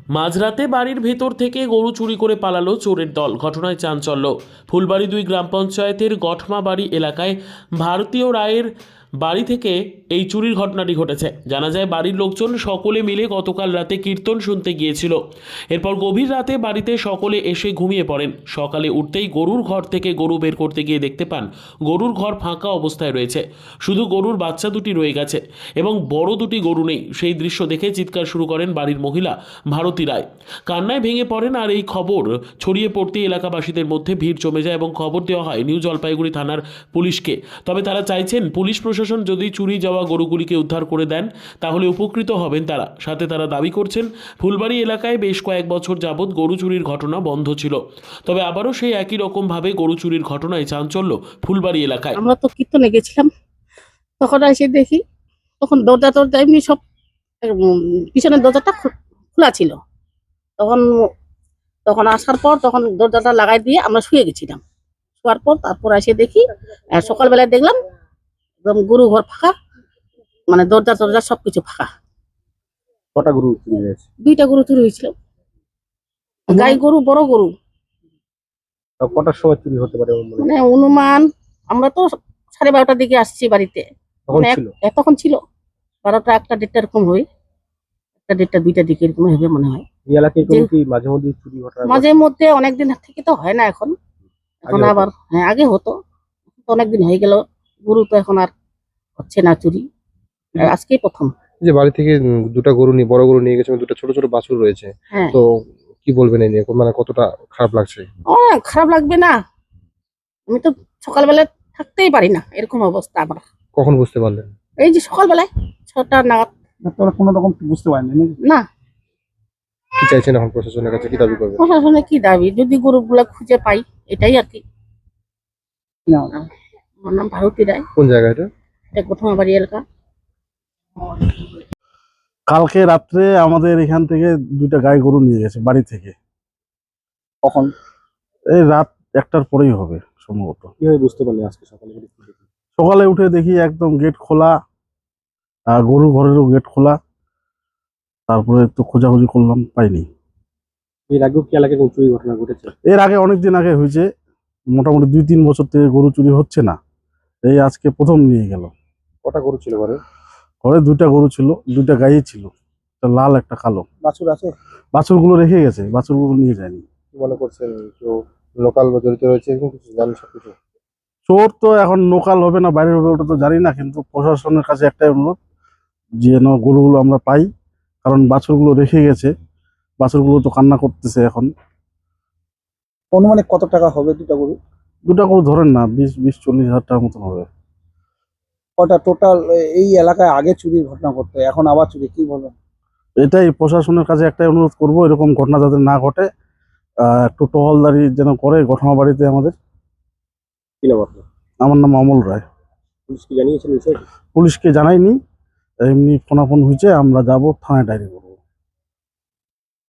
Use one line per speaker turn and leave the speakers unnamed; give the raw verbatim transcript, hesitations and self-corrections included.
মাঝরাতে বাড়ির ভেতর থেকে গরু চুরি করে পালালো চোরের দল। ঘটনায় চাঞ্চল্য ফুলবাড়ি দুই গ্রাম পঞ্চায়েতের গঠমা বাড়ি এলাকায় ভারতীয় রায়ের বাড়ি থেকে এই চুরির ঘটনাটি ঘটেছে। জানা যায় বাড়ির লোকজন সকলে মিলে গতকাল রাতে কীর্তন শুনতে গিয়েছিল। এরপর গভীর রাতে বাড়িতে সকলে এসে ঘুমিয়ে পড়েন। সকালে উঠতেই গরুর ঘর থেকে গরু বের করতে গিয়ে দেখতে পান গরুর ঘর ফাঁকা অবস্থায় রয়েছে, শুধু গরুর বাচ্চা দুটি রয়ে গেছে এবং বড় দুটি গরু নেই। সেই দৃশ্য দেখে চিৎকার শুরু করেন বাড়ির মহিলা ভারতী রায়। কান্নায় ভেঙে পড়েন আর এই খবর ছড়িয়ে পড়তে এলাকাবাসীদের মধ্যে ভিড় জমে যায় এবং খবর দেওয়া হয় নিউ জলপাইগুড়ি থানার পুলিশকে। তবে তারা চাইছেন পুলিশ প্রশাসন যদি চুরি যাওয়া গরুগুলিকে উদ্ধার করে দেন তাহলে উপকৃত হবেন তারা। সাথে তারা দাবি করছেন ফুলবাড়ি এলাকায় বেশ কয়েক বছর যাবৎ গরু চুরির ঘটনা বন্ধ ছিল, তবে আবারও সেই একই রকম ভাবে গরু চুরির ঘটনায় চাঞ্চল্য ফুলবাড়ি এলাকায়।
আমরা তো কীর্তনে গেছিলাম, তখন এসে দেখি তখন দরজা টরজা এমনি সব উম, পিছনের দরজাটা খো- খোলা ছিল। তখন তখন আসার পর তখন দরজাটা লাগাই দিয়ে আমরা শুয়ে গেছিলাম। শোয়ার পর তারপর এসে দেখি আহ, সকালবেলায় দেখলাম একদম গরু ঘর ফাঁকা, মানে দরজা টরজা সবকিছু ফাঁকা।
কটা গরু চুরি হয়েছে?
দুইটা গরু চুরি হয়েছিল, গাই গরু, বড় গরু।
তাও কটার সময় চুরি হতে পারে বলে মনে হয়?
মানে অনুমান আমরা তো সাড়ে বারোটার দিকে আসছি বাড়িতে,
তখন
মানে এক-
ছিল
এ তখন ছিল বারোটা একটা দেড়টা এরকম হয়, একটা দেড়টা দুইটা দিকে এরকম হবে মনে হয়।
এই এলাকায় কোনো
যে-
কি মাঝে মধ্যে চুরি ঘটনা ঘটে?
মাঝে মধ্যে অনেকদিন থেকে তো হয় না এখন, এখন
আগে হতো?
আবার হ্যাঁ আগে হতো, তো অনেকদিন হয়ে গেল গরু তো এখন আর হচ্ছে না চুরি, আর আজকেই প্রথম।
যে বাড়ি থেকে উম, দুটো গরু নিয়ে বড় গরু নিয়ে গেছে এবং দুটো ছোট ছোট বাছুর রয়েছে,
হ্যাঁ
তো কি বলবেন এই নিয়ে, মানে কতটা খারাপ লাগছে?
অনেক খারাপ লাগবে না, আমি তো সকালবেলা থাকতেই পারি না এরকম অবস্থা। আবার
কখন বুঝতে পারলেন?
এই যে সকালবেলায় ছটা নাগাদ।
তোরা কোনো রকম বুঝতে পারেনি নাকি?
না,
কি চাইছেন এখন প্রশাসনের কাছে, কি দাবি করবেন?
প্রশাসনে কি দাবি, যদি গরুগুলা খুঁজে পাই এটাই আর কি।
না,
আমার নাম ভারতী রায়,
কোন জায়গা এটা?
এটা গঠমা বাড়ি এলাকা।
কালকে রাত্রে আমাদের এখান থেকে দুইটা গাই গরু নিয়ে গেছে বাড়ি থেকে।
কখন?
এই রাত একটার পরেই হবে সম্ভবত।
কিভাবে বুঝতে পারলেন আজকে সকালে?
সকালে উঠে দেখি একদম গেট খোলা, আর গরু ঘরেরও গেট খোলা। তারপরে তো খোঁজাখুঁজি করলাম, পাইনি।
এর আগেও কি এলাকায় কোনো চুরি ঘটনা ঘটেছে?
এর আগে অনেকদিন আগে হয়েছে, মোটামুটি দুই তিন বছর থেকে গরু চুরি হচ্ছে না, এই আজকে প্রথম নিয়ে গেল।
কটা গরু ছিল ঘরে?
ঘরে দুইটা গরু ছিল, দুইটা গাই ছিল, একটা লাল একটা কালো।
বাছুর আছে?
বাছুরগুলো রেখে গেছে, বাছুরগুলো নিয়ে যায়নি।
কি মনে করছেন কেউ লোকাল বা জড়িত রয়েছে এরকম কিছু জানেন সবকিছু?
চোর তো এখন লোকাল হবে না বাইরের হবে ওটা তো জানি না, কিন্তু প্রশাসনের কাছে একটাই অনুরোধ যেন গরুগুলো আমরা পাই, কারণ বাছুরগুলো রেখে গেছে, বাছুরগুলো তো কান্না করতেছে এখন।
অনুমানে কত টাকা হবে দুটা গরু?
দুটা গরু ধরেন না বিশ বিশ চল্লিশ হাজার টাকার মতন হবে।
কটা টোটাল এই এলাকায় আগে চুরির ঘটনা ঘটতো, এখন আবার চুরি, কি বলবেন?
এটাই প্রশাসনের কাছে একটাই অনুরোধ করব, এরকম ঘটনা যাতে না ঘটে, আহ, একটু টহলদারি যেন করে ঘটনা বাড়িতে আমাদের।
কি নাম আপনার?
আমার নাম অমল রায়।
পুলিশ কি জানিয়েছেন বিষয়টি?
পুলিশকে জানাইনি, এমনি ফোনাফোন হয়েছে, আমরা যাব থানায় ডায়েরি করব।